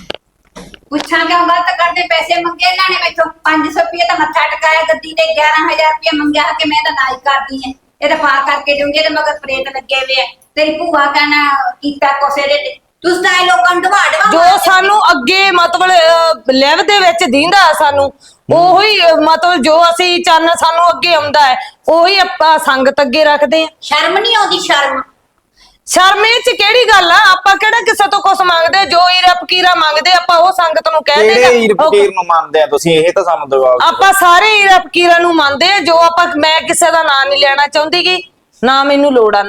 [SPEAKER 2] ਪੁੱਛਾਂ ਕਿਉਂ ਗਲਤ ਕਰਦੇ? ਪੈਸੇ ਮੰਗੇ ਇਹਨਾਂ ਨੇ ਮੈਥੋਂ ਪੰਜ ਸੌ ਰੁਪਏ ਤਾਂ ਮੱਥਾ ਟਕਾਇਆ ਗੱਦੀ ਤੇ, ਗਿਆਰਾਂ ਹਜ਼ਾਰ ਰੁਪਏ ਮੰਗਿਆ ਕਿ ਮੈਂ ਤਾਂ ਨਾ ਹੀ ਕਰਦੀ ਐ, ਇਹ ਤਾਂ ਪਾ ਕਰਕੇ ਦੂੰਗੇ ਤੇ ਮਗਰ ਪ੍ਰੇਤ ਲੱਗੇ ਹੋਏ ਆ। ਤੇਰੀ ਭੂਆ ਕਹਿਣਾ ਕੀਤਾ ਕੋਸੇ ਦੇ ਤੇ ਤੁਸੀਂ ਤਾਂ ਇਹ ਲੋਕਾਂ ਨੂੰ ਢਵਾ ਢਵਾ
[SPEAKER 1] ਜੋ ਸਾਨੂੰ ਅੱਗੇ ਮਤਲਬ ਲੈਵ ਦੇ ਵਿੱਚ ਦੀਂਦਾ ਸਾਨੂੰ, ਉਹੀ ਅਹ, ਮਤਲਬ ਜੋ ਅਸੀਂ ਚੰਨ ਸਾਨੂੰ ਅੱਗੇ ਆਉਂਦਾ ਹੈ ਉਹੀ ਆਪਾਂ ਸੰਗਤ ਅੱਗੇ ਰੱਖਦੇ ਆ।
[SPEAKER 2] ਸ਼ਰਮ ਨਹੀਂ ਆਉਂਦੀ? ਸ਼ਰਮ
[SPEAKER 1] ਸ਼ਰਮ ਇਹ ਚ ਕਿਹੜੀ ਗੱਲ ਆ? ਆਪਾਂ ਕਿਹੜਾ ਕਿਸੇ ਤੋਂ ਕੁਝ ਮੰਗਦੇ? ਜੋ ਈਰਾ ਫਕੀਰਾ ਮੰਗਦੇ ਆਪਾਂ ਉਹ ਸੰਗਤ ਨੂੰ ਕਹਿ
[SPEAKER 4] ਕਿਹੜੇ ਈਰ
[SPEAKER 1] ਦੇਗਾ।
[SPEAKER 4] ਫਕੀਰ ਨੂੰ ਮੰਨਦੇ ਆ ਤੁਸੀਂ? ਇਹ ਤਾਂ ਸਾਨੂੰ ਜਵਾਬ ਦਿਓ।
[SPEAKER 1] ਆਪਾਂ ਸਾਰੇ ਈਰਾ ਫਕੀਰਾਂ ਨੂੰ ਮੰਨਦੇ ਆ। ਜੋ ਆਪਾਂ, ਮੈਂ ਕਿਸੇ ਦਾ ਨਾਂ ਨਹੀਂ ਲੈਣਾ ਚਾਹੁੰਦੀ ਗੀ, ਨਾ ਮੈਨੂੰ ਲੋੜ ਆ ਨਾਂ ਦੀ।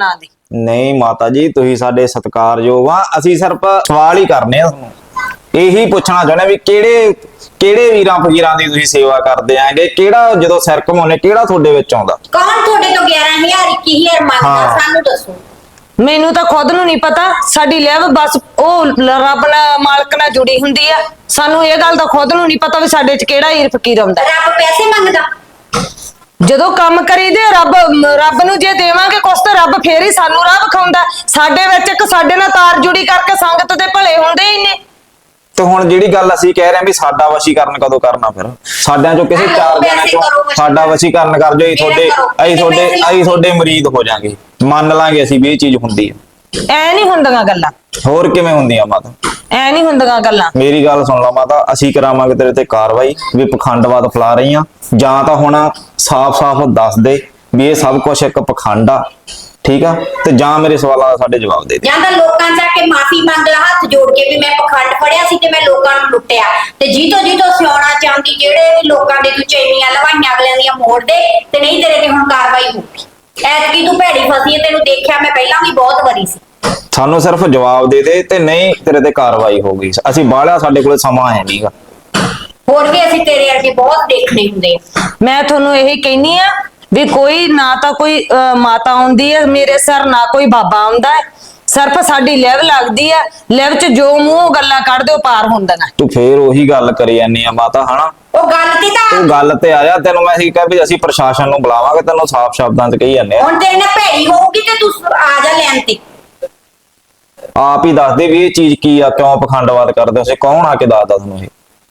[SPEAKER 4] ਨਹੀਂ ਮਾਤਾ ਜੀ, ਤੁਸੀਂ ਸਾਡੇ ਸਤਿਕਾਰਯੋਗ ਆ। ਅਸੀਂ ਸਿਰਫ ਸਵਾਲ ਹੀ ਕਰਨੇ ਆ ਤੁਹਾਨੂੰ, ਇਹੀ ਪੁੱਛਣਾ ਚਾਹੁੰਦੇ ਵੀ ਕਿਹੜੇ ਕਿਹੜੇ ਵੀਰਾਂ ਫਕੀਰਾਂ ਦੀ ਤੁਸੀਂ ਸੇਵਾ ਕਰਦੇ ਆਂਗੇ, ਕਿਹੜਾ ਜਦੋਂ ਸਿਰ ਘਮਾਉਣੇ ਕਿਹੜਾ ਤੁਹਾਡੇ ਵਿੱਚ ਆਉਂਦਾ?
[SPEAKER 2] ਕੌਣ ਤੁਹਾਡੇ ਤੋਂ ਗਿਆਰਾਂ ਹਜ਼ਾਰ ਇੱਕੀ ਹਜ਼ਾਰ ਮੰਗਦਾ?
[SPEAKER 4] ਹਾਂ।
[SPEAKER 2] ਸਾਨੂੰ ਦੱਸੋ।
[SPEAKER 1] ਮੈਨੂੰ ਤਾਂ ਖੁਦ ਨੂੰ ਨਹੀਂ ਪਤਾ। ਸਾਡੀ ਲੈਵ ਬਸ ਉਹ ਰੱਬ ਨਾਲ ਮਾਲਕ ਨਾਲ ਜੁੜੀ ਹੁੰਦੀ ਆ। ਸਾਨੂੰ ਇਹ ਗੱਲ ਤਾਂ ਖੁਦ ਨੂੰ ਨਹੀਂ ਪਤਾ ਵੀ ਸਾਡੇ 'ਚ ਕਿਹੜਾ ਹੀਰ ਫਕੀਰ ਆਉਂਦਾ।
[SPEAKER 2] ਰੱਬ ਪੈਸੇ ਮੰਗਦਾ?
[SPEAKER 1] ਜਦੋਂ ਕੰਮ ਕਰੀਦੇ ਰੱਬ ਰੱਬ ਨੂੰ ਜੇ ਦੇਵਾਂਗੇ ਕੁਛ ਤਾਂ ਰੱਬ ਫੇਰ ਹੀ ਸਾਨੂੰ ਰਾਹ ਵਿਖਾਉਂਦਾ। ਸਾਡੇ ਵਿੱਚ ਇੱਕ ਸਾਡੇ ਨਾਲ ਤਾਰ ਜੁੜੀ ਕਰਕੇ ਸੰਗਤ ਦੇ ਭਲੇ ਹੁੰਦੇ ਹੀ ਨੇ।
[SPEAKER 4] ਤੇ ਹੁਣ ਜਿਹੜੀ ਗੱਲ ਅਸੀਂ ਕਹਿ ਰਹੇ ਹਾਂ ਵੀ ਸਾਡਾ ਵਸ਼ੀਕਰਨ ਕਦੋਂ ਕਰਨਾ? ਫਿਰ ਸਾਡਿਆਂ ਚੋਂ ਕਿਸੇ ਚਾਰ ਜਣਿਆਂ ਚੋਂ ਸਾਡਾ ਵਸ਼ੀਕਰਨ ਕਰ ਜੋ, ਅਸੀਂ ਤੁਹਾਡੇ ਅਸੀਂ ਤੁਹਾਡੇ ਅਸੀਂ ਤੁਹਾਡੇ ਮਰੀਦ ਹੋ ਜਾਾਂਗੇ, ਮੰਨ ਲਾਂਗੇ ਅਸੀਂ ਵੀ ਇਹ ਚੀਜ਼ ਹੁੰਦੀ ਹੈ।
[SPEAKER 1] ਐ ਨਹੀਂ ਹੁੰਦੀਆਂ ਗੱਲਾਂ।
[SPEAKER 4] ਹੋਰ ਕਿਵੇਂ ਹੁੰਦੀਆਂ ਮਾਤਾ?
[SPEAKER 1] ਐ ਨਹੀਂ ਹੁੰਦੀਆਂ ਗੱਲਾਂ।
[SPEAKER 4] ਮੇਰੀ ਗੱਲ ਸੁਣ ਲਾ ਮਾਤਾ, ਅਸੀਂ ਕਰਾਵਾਂਗੇ ਤੇਰੇ ਤੇ ਕਾਰਵਾਈ ਵੀ ਪਖੰਡਵਾਦ ਫੈਲਾ ਰਹੀ ਆ। ਜਾਂ ਤਾਂ ਹੁਣ ਸਾਫ਼-ਸਾਫ਼ ਦੱਸ ਦੇ ਵੀ ਇਹ ਸਭ ਕੁਝ ਇੱਕ ਪਖੰਡ ਆ, ਠੀਕ ਆ, ਤੇ ਜਾਂ ਮੇਰੇ ਸਵਾਲਾਂ ਦਾ ਸਾਡੇ ਜਵਾਬ ਦੇ ਦੇ।
[SPEAKER 2] ਜਾਂ ਤਾਂ ਲੋਕਾਂ ਜਾ ਕੇ ਮਾਫੀ ਮੰਗ ਲਾ ਹੱਥ ਜੋੜ ਕੇ ਵੀ ਮੈਂ ਪਖੰਡ ਫੜਿਆ ਸੀ ਤੇ ਮੈਂ ਲੋਕਾਂ ਨੂੰ ਲੁੱਟਿਆ, ਤੇ ਜੀਤੋ ਜੀਤੋ ਸਿਆਉਣਾ ਚਾਹੁੰਦੀ ਜਿਹੜੇ ਵੀ ਲੋਕਾਂ ਦੇ ਤੂੰ ਚੈਨੀਆਂ ਲਵਾਈਆਂ ਅਗਲਿਆਂ ਦੀਆਂ ਮੋੜ ਦੇ, ਤੇ ਨਹੀਂ ਤੇਰੇ ਤੇ ਹੁਣ ਕਾਰਵਾਈ ਹੋਊਗੀ। ਐਤਕੀ ਤੂੰ ਭੈੜੀ ਫਸੀ ਹੈ, ਤੈਨੂੰ ਦੇਖਿਆ ਮੈਂ ਪਹਿਲਾਂ ਵੀ ਬਹੁਤ ਵਾਰੀ ਸੀ।
[SPEAKER 4] ਸਾਨੂੰ ਸਿਰਫ ਜਵਾਬ ਦੇ ਦੇ, ਤੇ ਨਹੀਂ ਤੇਰੇ ਤੇ ਕਾਰਵਾਈ ਹੋਊਗੀ। ਅਸੀਂ ਬਾਹਲਾ ਸਾਡੇ ਕੋਲ ਸਮਾਂ ਹੈ ਨਹੀਂਗਾ।
[SPEAKER 2] ਹੋਰ ਵੀ ਅਸੀਂ ਤੇਰੇ ਵਰਗੇ ਬਹੁਤ ਦੇਖਣੇ ਹੁੰਦੇ ਆ।
[SPEAKER 1] ਮੈਂ ਤੁਹਾਨੂੰ ਇਹ ਕਹਿਨੀ ਆ ਵੀ ਕੋਈ ਨਾ ਤਾਂ ਕੋਈ ਅਹ, ਮਾਤਾ ਆਉਂਦੀ ਹੈ ਮੇਰੇ ਸਿਰ, ਨਾ ਕੋਈ ਬਾਬਾ ਆਉਂਦਾ ਹੈ। ਸਿਰਫ ਸਾਡੀ ਲੈਵ ਲੱਗਦੀ ਆ। ਲੈਵ 'ਚ ਜੋ ਮੂੰਹ ਗੱਲਾਂ ਕੱਢਦੇ ਉਹ ਪਾਰ ਹੁੰਦੀਆਂ।
[SPEAKER 4] ਤੂੰ ਫੇਰ ਉਹੀ ਗੱਲ ਕਰੀ ਜਾਂਦੀ ਆ ਮਾਤਾ, ਹਨਾ?
[SPEAKER 2] ਉਹ ਗੱਲ ਤੇ ਤਾਂ
[SPEAKER 4] ਤੂੰ ਗੱਲ ਤੇ ਆ ਜਾ। ਤੈਨੂੰ ਮੈਂ ਅਸੀਂ ਕਿਹਾ ਵੀ ਅਸੀਂ ਪ੍ਰਸ਼ਾਸਨ ਨੂੰ ਬੁਲਾਵਾਂਗੇ, ਤੈਨੂੰ ਸਾਫ਼ ਸ਼ਬਦਾਂ 'ਚ ਕਹੀ ਜਾਂਦੇ ਆ।
[SPEAKER 2] ਹੁਣ ਤੇਰੇ ਨਾਲ ਭੈੜੀ ਹੋਊਗੀ ਤੇ ਤੂੰ ਆ ਜਾ ਲੈਣ ਤੇ।
[SPEAKER 4] ਆਪ ਹੀ ਦੱਸ ਦੇ ਵੀ ਇਹ ਚੀਜ਼ ਕੀ ਆ, ਕਿਉਂ ਪਖੰਡਵਾਦ ਕਰਦੇ ਹੋ? ਅਸੀਂ ਕੌਣ ਆ ਕੇ ਦੱਸਦਾ ਤੁਹਾਨੂੰ ਇਹ?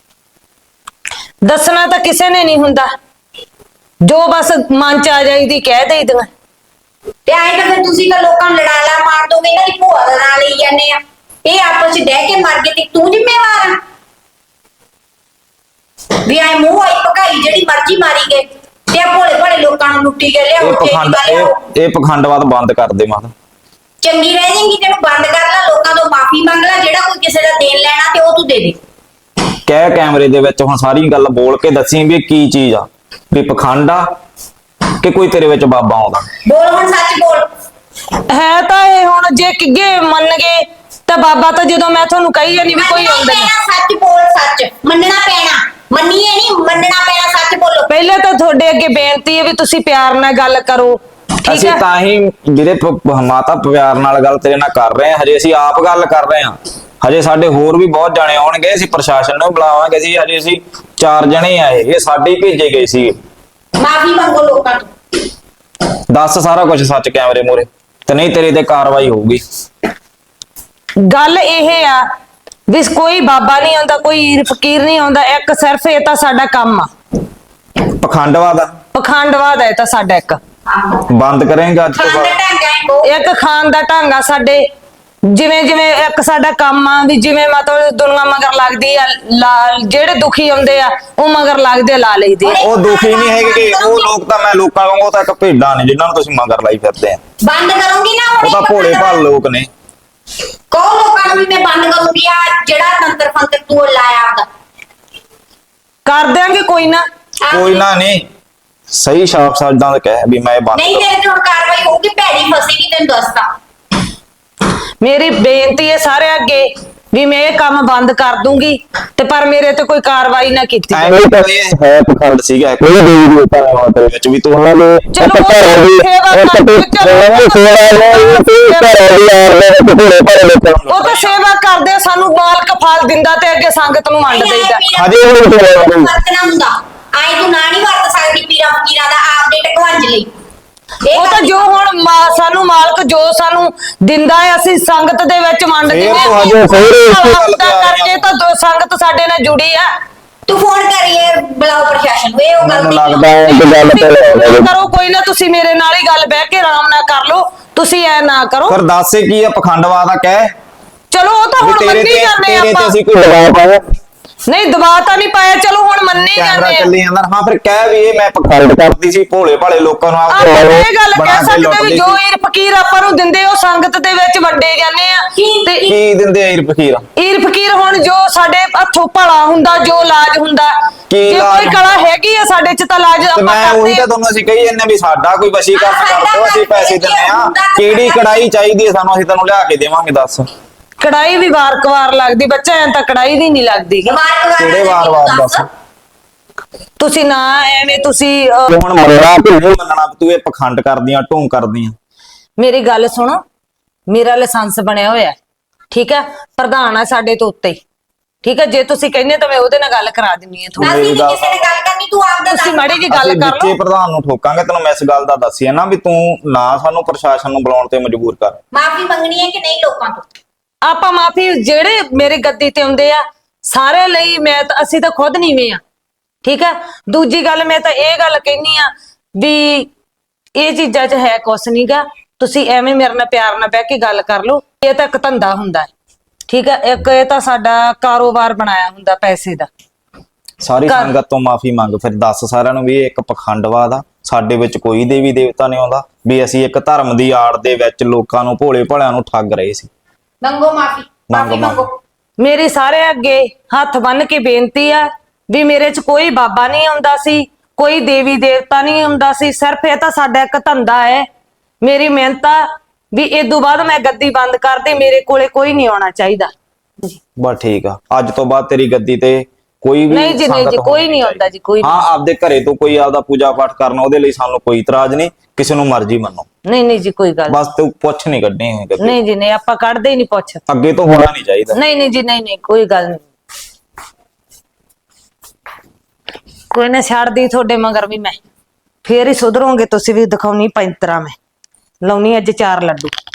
[SPEAKER 1] ਦੱਸਣਾ ਤਾਂ ਕਿਸੇ ਨੇ ਨਹੀਂ ਹੁੰਦਾ, ਜੋ ਬਸ ਮਨ 'ਚ ਆ ਜਾਈਦੀ ਕਹਿ ਦੇਈਦੀਆਂ।
[SPEAKER 2] ਤੇ ਐਂ ਤਾਂ ਫਿਰ ਤੁਸੀਂ ਤਾਂ ਲੋਕਾਂ ਨੂੰ ਲੜਾਲਾ ਮਾਰ ਦੋਗੇ, ਇਹਨਾਂ ਦੀ ਭੂਆ ਦਾ ਨਾਂ ਲਈ ਜਾਂਦੇ ਆ। ਇਹ ਆਪਸ ਚ ਡਹਿ ਕੇ ਮਰ ਗਏ ਤੇ ਤੂੰ ਜ਼ਿੰਮੇਵਾਰ ਆ ਵੀ ਐ ਮੂੰਹ ਆਈ ਭਕਾਈ ਜਿਹੜੀ ਮਰਜ਼ੀ ਮਾਰੀ ਗਏ ਤੇ ਭੋਲੇ ਭਾਲੇ ਲੋਕਾਂ ਨੂੰ ਲੁੱਟੀ ਗਏ। ਲਿਆਓ
[SPEAKER 4] ਇਹ ਪਖੰਡ ਇਹ ਇਹ ਪਖੰਡਵਾਦ ਬੰਦ ਕਰ ਦੇ ਮਾਤਾ।
[SPEAKER 2] ਚੰਗੀ ਰਹਿ ਜਾਏਗੀ ਤੈਨੂੰ ਬੰਦ ਕਰ ਲੈ, ਲੋਕਾਂ ਤੋਂ ਮਾਫੀ ਮੰਗ ਲੈ, ਜਿਹੜਾ ਕੋਈ ਕਿਸੇ ਦਾ ਦੇਣ ਲੈਣਾ ਤੇ ਉਹ ਤੂੰ ਦੇ ਦੇ।
[SPEAKER 4] ਕਹਿ ਕੈਮਰੇ ਦੇ ਵਿੱਚ ਹੁਣ ਸਾਰੀ ਗੱਲ ਬੋਲ ਕੇ ਦੱਸੀ ਵੀ ਇਹ ਕੀ ਚੀਜ਼ ਆ, ਵੀ ਪਖੰਡ ਆ ਕਿ ਕੋਈ ਤੇਰੇ ਵਿੱਚ ਬਾਬਾ ਆਉਂਦਾ?
[SPEAKER 2] ਬੋਲ ਹੁਣ, ਸੱਚ ਬੋਲ।
[SPEAKER 1] ਹੈ ਤਾਂ ਇਹ ਹੁਣ ਜੇ ਕਿੱਗੇ ਮੰਨ ਗਏ ਤਾਂ ਬਾਬਾ ਤਾਂ ਜਦੋਂ ਮੈਂ ਤੁਹਾਨੂੰ ਕਹੀ ਜਾਂਦੀ ਵੀ ਕੋਈ ਆਉਂਦਾ ਨਹੀਂ।
[SPEAKER 2] ਸੱਚ ਬੋਲ, ਸੱਚ ਮੰਨਣਾ ਪੈਣਾ। ਮੰਨੀਏ ਨਹੀਂ, ਮੰਨਣਾ ਪੈਣਾ। ਸੱਚ ਬੋਲੋ।
[SPEAKER 1] ਪਹਿਲੇ ਤਾਂ ਤੁਹਾਡੇ ਅੱਗੇ ਬੇਨਤੀ ਹੈ ਵੀ ਤੁਸੀਂ ਪਿਆਰ ਨਾਲ ਗੱਲ ਕਰੋ, ਠੀਕ
[SPEAKER 4] ਅਸੀਂ
[SPEAKER 1] ਹੈ?
[SPEAKER 4] ਤਾਂ ਹੀ ਵੀਰੇ ਪ- ਮਾਤਾ ਪਿਆਰ ਨਾਲ ਗੱਲ ਤੇਰੇ ਨਾਲ ਕਰ ਰਹੇ ਹਾਂ। ਹਜੇ ਅਸੀਂ ਆਪ ਗੱਲ ਕਰ ਰਹੇ ਹਾਂ, ਹਜੇ ਸਾਡੇ ਹੋਰ ਵੀ ਬਹੁਤ ਜਾਣੇ ਆਉਣਗੇ। ਅਸੀਂ ਪ੍ਰਸ਼ਾਸਨ ਨੂੰ ਬੁਲਾਵਾਂਗੇ। ਅਸੀਂ ਹਜੇ ਅਸੀਂ ਚਾਰ ਜਣੇ ਆਏ, ਇਹ ਸਾਡੇ ਹੀ ਭੇਜੇ ਗਏ ਸੀ।
[SPEAKER 2] ਮਾਫੀ ਮੰਗੋ ਲੋਕਾਂ ਤੋਂ।
[SPEAKER 4] ਦੱਸ ਸਾਰਾ ਕੁਝ ਸੱਚ ਕੈਮਰੇ ਮੂਹਰੇ, ਤੇ ਨਹੀਂ ਤੇਰੇ ਤੇ ਕਾਰਵਾਈ ਹੋਊਗੀ।
[SPEAKER 1] ਗੱਲ ਇਹ ਆ ਵੀ ਕੋਈ ਬਾਬਾ ਨਹੀਂ ਆਉਂਦਾ, ਕੋਈ ਫਕੀਰ ਨਹੀਂ ਆਉਂਦਾ। ਇੱਕ ਸਿਰਫ ਇਹ ਤਾਂ ਸਾਡਾ ਕੰਮ ਆ,
[SPEAKER 4] ਪਖੰਡਵਾਦ ਆ,
[SPEAKER 1] ਪਖੰਡਵਾਦ ਹੈ ਤਾਂ ਸਾਡਾ ਇੱਕ।
[SPEAKER 4] ਬੰਦ ਕਰੇਂਗਾ ਅੱਜ ਤੋਂ
[SPEAKER 2] ਖਾਣ ਦਾ
[SPEAKER 4] ਬਾਅਦ?
[SPEAKER 2] ਢੰਗ ਹੈ ਉਹ।
[SPEAKER 1] ਇੱਕ ਖਾਨ ਦਾ ਢੰਗ ਆ ਸਾਡੇ। ਜਿਵੇਂ ਜਿਵੇਂ ਇੱਕ ਸਾਡਾ ਕੰਮ ਆ ਵੀ ਜਿਵੇਂ ਮਤਲਬ ਦੁਨੀਆ ਮਗਰ ਲੱਗਦੀ ਆ, ਲਾ ਜਿਹੜੇ ਦੁਖੀ ਆਉਂਦੇ ਆ ਉਹ ਮਗਰ ਲੱਗਦੇ ਲਾ ਲਈਦੇ ਆ।
[SPEAKER 4] ਉਹ ਦੁਖੀ ਨਹੀਂ ਹੈਗੇ ਕਿ ਉਹ ਲੋਕ ਤਾਂ ਮੈਂ ਲੋਕਾਂ ਵਾਂਗੂ, ਉਹ ਤਾਂ ਇੱਕ ਭੇਡਾਂ ਨੇ ਜਿਨ੍ਹਾਂ ਨੂੰ ਤੁਸੀਂ ਮਗਰ ਲਾਈ ਫਿਰਦੇ ਆ।
[SPEAKER 2] ਬੰਦ ਕਰੂੰਗੀ ਨਾ ਹੁਣ।
[SPEAKER 4] ਉਹ ਤਾਂ ਭੋਲੇ ਭਾਲ ਲੋਕ ਨੇ।
[SPEAKER 2] ਕਹੋ ਲੋਕਾਂ ਨੂੰ ਵੀ ਮੈਂ ਬੰਦ ਕਰੂੰਗੀ ਆ ਜਿਹੜਾ ਤੰਤਰ ਫੰਤਰ ਤੂੰ ਲਾਇਆ ਆਪਦਾ।
[SPEAKER 1] ਕਰ ਦਿਆਂਗੇ ਕੋਈ ਨਾ।
[SPEAKER 4] ਕੋਈ ਨਾ, ਨਹੀਂ ਸਹੀ ਸ਼ਾਪ ਸ਼ਬਦਾਂ ਦਾ ਕਹਿ ਵੀ ਮੈਂ ਇਹ ਬੰਦ
[SPEAKER 2] ਨਹੀਂ ਤੇਰੇ ਤੇ ਹੁਣ ਕਾਰਵਾਈ ਹੋਊਗੀ, ਭੈੜੀ ਫਸੇਗੀ ਤੈਨੂੰ ਦੱਸਦਾ।
[SPEAKER 1] ਮੇਰੀ ਬੇਨਤੀ ਹੈ ਸਾਰੇ ਅੱਗੇ ਵੀ ਮੈਂ ਇਹ ਕੰਮ ਬੰਦ ਕਰ ਦੂੰਗੀ, ਤੇ ਪਰ ਮੇਰੇ ਤੇ ਕੋਈ ਕਾਰਵਾਈ ਨਾ ਕੀਤੀ ਜਾਵੇ।
[SPEAKER 4] ਐਵੇਂ ਤਾਂ ਇਹ ਹੈ ਪਖੰਡ ਸੀਗਾ ਕੋਈ ਦੇਵੀ ਦੇਵਤਾ ਦੇ ਮਾਤੇ ਵਿੱਚ ਵੀ ਤੂੰ ਉਹਨਾਂ ਦੇ
[SPEAKER 1] ਚਲੋ ਉਹ ਸੇਵਾ ਕਰ- ਉਹ ਤਾਂ ਸੇਵਾ ਕਰਦੇ ਆ, ਸਾਨੂੰ ਮਾਲਕ ਫਲ ਦਿੰਦਾ ਤੇ ਅੱਗੇ ਸੰਗਤ ਨੂੰ ਵੰਡ ਦੇਈਦਾ।
[SPEAKER 4] ਹਜੇ ਵੀ ਨਹੀਂ ਹੋਇਆ।
[SPEAKER 2] ਵਰਤਣਾ ਹੁੰਦਾ ਆਏ ਤੂੰ ਨਾ ਨਹੀਂ ਵਰਤ ਸਕਦੀ ਪੀਰਾਂ ਫਕੀਰਾਂ ਦਾ ਆਪਦੇ ਟਕਵੰਜ ਲਈ। ਇਹ
[SPEAKER 1] ਉਹ ਤਾਂ ਜੋ ਹੁਣ ਮਾ- ਸਾਨੂੰ ਮਾਲਕ ਜੋ ਸਾਨੂੰ ਦਿੰਦਾ ਹੈ ਅਸੀਂ ਸੰਗਤ ਦੇ ਵਿੱਚ ਵੰਡ
[SPEAKER 4] ਫੇਰ
[SPEAKER 1] ਦਿੰਦੇ
[SPEAKER 4] ਤੋਂ ਹਜੇ ਸਹੁਰੇ ਇਸੇ ਗੱਲ ਤੇ ਆ ਰਹੇ
[SPEAKER 1] ਕਰਕੇ ਤਾਂ ਦੋ ਸੰਗਤ ਸਾਡੇ ਨਾਲ ਜੁੜੀ ਆ।
[SPEAKER 2] ਤੂੰ ਫੋਨ ਕਰੀਏ ਬੁਲਾਓ ਪ੍ਰਸ਼ਾਸਨ ਨੂੰ। ਇਹ ਉਹ
[SPEAKER 4] ਮੈਨੂੰ
[SPEAKER 2] ਗਲਤੀ
[SPEAKER 4] ਲੱਗਦਾ ਹੈ ਕਿ ਗੱਲ ਤੇ
[SPEAKER 1] ਕਰੋ ਕੋਈ ਨਾ, ਤੁਸੀਂ ਮੇਰੇ ਨਾਲ ਹੀ ਗੱਲ ਬਹਿ ਕੇ ਆਰਾਮ ਨਾਲ ਕਰ ਲਓ। ਤੁਸੀਂ ਐ ਨਾ ਕਰੋ।
[SPEAKER 4] ਫਿਰ ਦੱਸ ਕੀ ਆ ਪਖੰਡਵਾਦ ਆ? ਕਹਿ
[SPEAKER 1] ਚਲੋ ਉਹ ਤਾਂ
[SPEAKER 4] ਵੀ
[SPEAKER 1] ਹੁਣ
[SPEAKER 4] ਤੇਰੇ
[SPEAKER 1] ਮੰਨੀ
[SPEAKER 4] ਤੇ
[SPEAKER 1] ਜਾਂਦੇ
[SPEAKER 4] ਤੇਰੇ ਤੇ
[SPEAKER 1] ਆਪਾਂ।
[SPEAKER 4] ਅਸੀਂ ਕੋਈ ਦਬਾਅ ਪਾਇਆ?
[SPEAKER 1] ਨਹੀਂ ਦਬਾ ਤਾਂ ਨਹੀਂ ਪਾਇਆ, ਚਲੋ ਹੁਣ ਮੰਨੇ
[SPEAKER 4] ਕੈਮਰਾ
[SPEAKER 1] ਜਾਂਦੇ ਆ।
[SPEAKER 4] ਚੱਲੀ ਜਾਂਦਾ। ਹਾਂ ਫਿਰ ਕਹਿ ਵੀ ਇਹ ਮੈਂ ਪਖੰਡ ਕਰਦੀ ਸੀ, ਭੋਲੇ ਭਾਲੇ ਲੋਕਾਂ ਨੂੰ
[SPEAKER 1] ਆਪਾਂ
[SPEAKER 4] ਆਪਦੇ
[SPEAKER 1] ਇਹ ਗੱਲ
[SPEAKER 4] ਬਣਾ
[SPEAKER 1] ਕਹਿ
[SPEAKER 4] ਕੇ
[SPEAKER 1] ਸਕਦੇ
[SPEAKER 4] ਲੁੱਟਦੀ
[SPEAKER 1] ਵੀ ਜੋ
[SPEAKER 4] ਸੀ।
[SPEAKER 1] ਈਰ ਫਕੀਰ ਆਪਾਂ ਨੂੰ ਦਿੰਦੇ ਉਹ ਸੰਗਤ ਦੇ ਵਿੱਚ ਵੰਡੇ ਜਾਂਦੇ ਆ। ਤੇ
[SPEAKER 4] ਕੀ ਦਿੰਦੇ ਆ ਈਰ ਫਕੀਰ?
[SPEAKER 1] ਈਰ ਫਕੀਰ ਹੁਣ ਜੋ ਸਾਡੇ ਹੱਥੋਂ ਭਲਾ ਹੁੰਦਾ, ਜੋ ਲਾਜ ਹੁੰਦਾ,
[SPEAKER 4] ਕੀ
[SPEAKER 1] ਜੇ
[SPEAKER 4] ਲਾਜ
[SPEAKER 1] ਕੋਈ ਕਲਾ ਹੈਗੀ ਆ ਸਾਡੇ ਚ ਤਾਂ ਲਾਜ
[SPEAKER 4] ਤੇ
[SPEAKER 1] ਆਪਾਂ
[SPEAKER 4] ਮੈਂ ਉਹੀ
[SPEAKER 1] ਕਰਦੇ
[SPEAKER 4] ਤਾਂ
[SPEAKER 1] ਆ।
[SPEAKER 4] ਤੁਹਾਨੂੰ ਅਸੀਂ ਕਹੀ ਜਾਂਦੇ ਵੀ ਸਾਡਾ ਕੋਈ ਵਸ਼ੀਕਰਨ ਕਰ ਦਿਓ, ਅਸੀਂ ਪੈਸੇ ਦਿੰਦੇ ਆ। ਕਿਹੜੀ ਕੜਾਈ ਚਾਹੀਦੀ ਹੈ ਸਾਨੂੰ, ਅਸੀਂ ਤੈਨੂੰ ਲਿਆ ਕੇ ਦੇਵਾਂਗੇ, ਦੱਸ।
[SPEAKER 1] ਕੜਾਈ ਵੀ ਵਾਰ-ਕਵਾਰ ਲੱਗਦੀ ਬੱਚਾ, ਐਂ ਤਾਂ ਕੜਾਈ ਦੀ ਨਹੀਂ ਲੱਗਦੀ।
[SPEAKER 4] ਕਿਹੜੇ ਵਾਰ-ਵਾਰ ਦੱਸ?
[SPEAKER 1] ਤੁਸੀਂ ਨਾ ਐਵੇਂ ਤੁਸੀਂ ਅਹ,
[SPEAKER 4] ਤੂੰ ਹੁਣ ਮੰਨਣਾ ਕਿ ਨਹੀਂ ਮੰਨਣਾ ਵੀ ਤੂੰ ਇਹ ਪਖੰਡ ਕਰਦੀਆਂ, ਢੋਂਗ ਕਰਦੀਆਂ?
[SPEAKER 1] ਮੇਰੀ ਗੱਲ ਸੁਣੋ, ਮੇਰਾ ਲਾਇਸੈਂਸ ਬਣਿਆ ਹੋਇਆ, ਠੀਕ ਹੈ, ਪ੍ਰਧਾਨ ਆ ਸਾਡੇ ਤੋਂ ਉੱਤੇ, ਠੀਕ ਹੈ। ਜੇ ਤੁਸੀਂ ਕਹਿੰਦੇ ਤਾਂ ਮੈਂ ਉਹਦੇ ਨਾਲ ਗੱਲ ਕਰਾ ਦਿੰਨੀ ਆ ਤੁਹਾਨੂੰ।
[SPEAKER 2] ਅਸੀਂ ਨਹੀਂ ਕਿਸੇ ਨੇ ਗੱਲ ਕਰਨੀ, ਤੂੰ ਆਪਦਾ
[SPEAKER 1] ਤੁਸੀਂ
[SPEAKER 2] ਦੱਸ।
[SPEAKER 1] ਮਾੜੀ ਜੀ ਗੱਲ
[SPEAKER 4] ਅਸੀਂ
[SPEAKER 1] ਕਰ
[SPEAKER 4] ਵਿੱਚੇ
[SPEAKER 1] ਲਓ।
[SPEAKER 4] ਪ੍ਰਧਾਨ ਨੂੰ ਠੋਕਾਂਗੇ। ਤੈਨੂੰ ਮੈਂ ਇਸ ਗੱਲ ਦਾ ਦੱਸਿਆ ਨਾ ਵੀ ਤੂੰ ਨਾ ਸਾਨੂੰ ਪ੍ਰਸ਼ਾਸਨ ਨੂੰ ਬੁਲਾਉਣ ਤੇ ਮਜਬੂਰ ਕਰ।
[SPEAKER 2] ਮਾਫੀ ਮੰਗਣੀ ਹੈ ਕਿ ਨਹੀਂ ਲੋਕਾਂ ਤੋਂ?
[SPEAKER 1] ਆਪਾਂ ਮਾਫੀ ਜਿਹੜੇ ਮੇਰੇ ਗੱਦੀ ਤੇ ਆਉਂਦੇ ਆ ਸਾਰੇ ਲਈ, ਮੈਂ ਤਾਂ ਅਸੀਂ ਤਾਂ ਖੁਦ ਨੀਵੇਂ ਆ, ਠੀਕ ਹੈ। ਦੂਜੀ ਗੱਲ ਮੈਂ ਤਾਂ ਇਹ ਗੱਲ ਕਹਿਨੀ ਆ ਵੀ ਇਹ ਚੀਜ਼ਾਂ 'ਚ ਹੈ ਕੁਛ ਨਹੀਂਗਾ, ਤੁਸੀਂ ਐਵੇਂ ਮੇਰੇ ਨਾਲ ਪਿਆਰ ਨਾਲ ਬਹਿ ਕੇ ਗੱਲ ਕਰ ਲਓ। ਇਹ ਤਾਂ ਇੱਕ ਧੰਦਾ ਹੁੰਦਾ ਹੈ, ਠੀਕ ਹੈ, ਇੱਕ ਇਹ ਤਾਂ ਸਾਡਾ ਕਾਰੋਬਾਰ ਬਣਾਇਆ ਹੁੰਦਾ ਪੈਸੇ ਦਾ।
[SPEAKER 4] ਸਾਰੀ
[SPEAKER 1] ਕਰ-
[SPEAKER 4] ਸੰਗਤ ਤੋਂ ਮਾਫੀ ਮੰਗ, ਫਿਰ ਦੱਸ ਸਾਰਿਆਂ ਨੂੰ ਵੀ ਇਹ ਇੱਕ ਪਖੰਡਵਾਦ ਆ, ਸਾਡੇ ਵਿੱਚ ਕੋਈ ਦੇਵੀ ਦੇਵਤਾ ਨਹੀਂ ਆਉਂਦਾ, ਵੀ ਅਸੀਂ ਇੱਕ ਧਰਮ ਦੀ ਆੜ ਦੇ ਵਿੱਚ ਲੋਕਾਂ ਨੂੰ, ਭੋਲੇ ਭਾਲਿਆਂ ਨੂੰ ਠੱਗ ਰਹੇ ਸੀ।
[SPEAKER 2] ਮੰਗੋ ਮਾਫੀ, ਮਾਫੀ
[SPEAKER 4] ਮੰਗੋ।
[SPEAKER 2] ਮੰਗੋ।
[SPEAKER 1] ਮੇਰੀ ਸਾਰੇ ਅੱਗੇ ਹੱਥ ਬੰਨ ਕੇ ਬੇਨਤੀ ਆ ਵੀ ਮੇਰੇ 'ਚ ਕੋਈ ਬਾਬਾ ਨਹੀਂ ਆਉਂਦਾ ਸੀ, ਕੋਈ ਦੇਵੀ ਦੇਵਤਾ ਨਹੀਂ ਆਉਂਦਾ ਸੀ, ਸਿਰਫ ਇਹ ਤਾਂ ਸਾਡਾ ਇੱਕ ਧੰਦਾ ਹੈ। ਮੇਰੀ ਮਿਹਨਤ ਆ ਵੀ ਇਦੋਂ ਬਾਅਦ ਮੈਂ ਗੱਦੀ ਬੰਦ ਕਰਦੀ, ਮੇਰੇ ਕੋਲੇ ਕੋਈ ਨਹੀਂ ਆਉਣਾ ਚਾਹੀਦਾ।
[SPEAKER 4] ਬਸ ਠੀਕ ਆ, ਅੱਜ ਤੋਂ ਬਾਅਦ ਤੇਰੀ ਗੱਦੀ ਤੇ ਕੋਈ ਵੀ
[SPEAKER 1] ਨਹੀਂ ਜੀ, ਨਹੀਂ
[SPEAKER 4] ਸੰਗਤ
[SPEAKER 1] ਜੀ, ਕੋਈ
[SPEAKER 4] ਹੋਣੀ
[SPEAKER 1] ਨਹੀਂ ਆਉਂਦਾ ਜੀ, ਕੋਈ
[SPEAKER 4] ਹਾਂ, ਆਪਦੇ ਘਰੇ ਤੋਂ ਕੋਈ ਆਪਦਾ ਪੂਜਾ ਪਾਠ ਕਰਨਾ, ਉਹਦੇ ਲਈ ਸਾਨੂੰ ਕੋਈ ਇਤਰਾਜ਼ ਨਹੀਂ, ਕਿਸੇ ਨੂੰ ਮਰਜ਼ੀ ਮੰਨੋ,
[SPEAKER 1] ਨਹੀਂ ਨਹੀਂ ਜੀ, ਕੋਈ ਗੱਲ
[SPEAKER 4] ਬਸ ਤੂੰ ਪੁੱਛ ਨਹੀਂ ਕੱਢਣੀ ਹੋਈ ਗੱਦੀ।
[SPEAKER 1] ਨਹੀਂ ਜੀ, ਨਹੀਂ, ਆਪਾਂ ਕੱਢਦੇ ਹੀ ਨਹੀਂ ਪੁੱਛ।
[SPEAKER 4] ਅੱਗੇ ਤੋਂ ਹੋਣਾ ਨਹੀਂ ਚਾਹੀਦਾ।
[SPEAKER 1] ਨਹੀਂ ਨਹੀਂ ਜੀ, ਨਹੀਂ ਨਹੀਂ, ਕੋਈ ਗੱਲ ਨਹੀਂ। ਕੋਈ ਨਾ, ਛੱਡਦੀ ਤੁਹਾਡੇ ਮਗਰ ਵੀ ਮੈਂ, ਫੇਰ ਹੀ ਸੁਧਰੋਗੇ ਤੁਸੀਂ ਵੀ। ਦਿਖਾਉਣੀ ਪੈਂਤਰਾ ਮੈਂ, ਲਾਉਣੀ ਅੱਜ ਚਾਰ ਲੱਡੂ।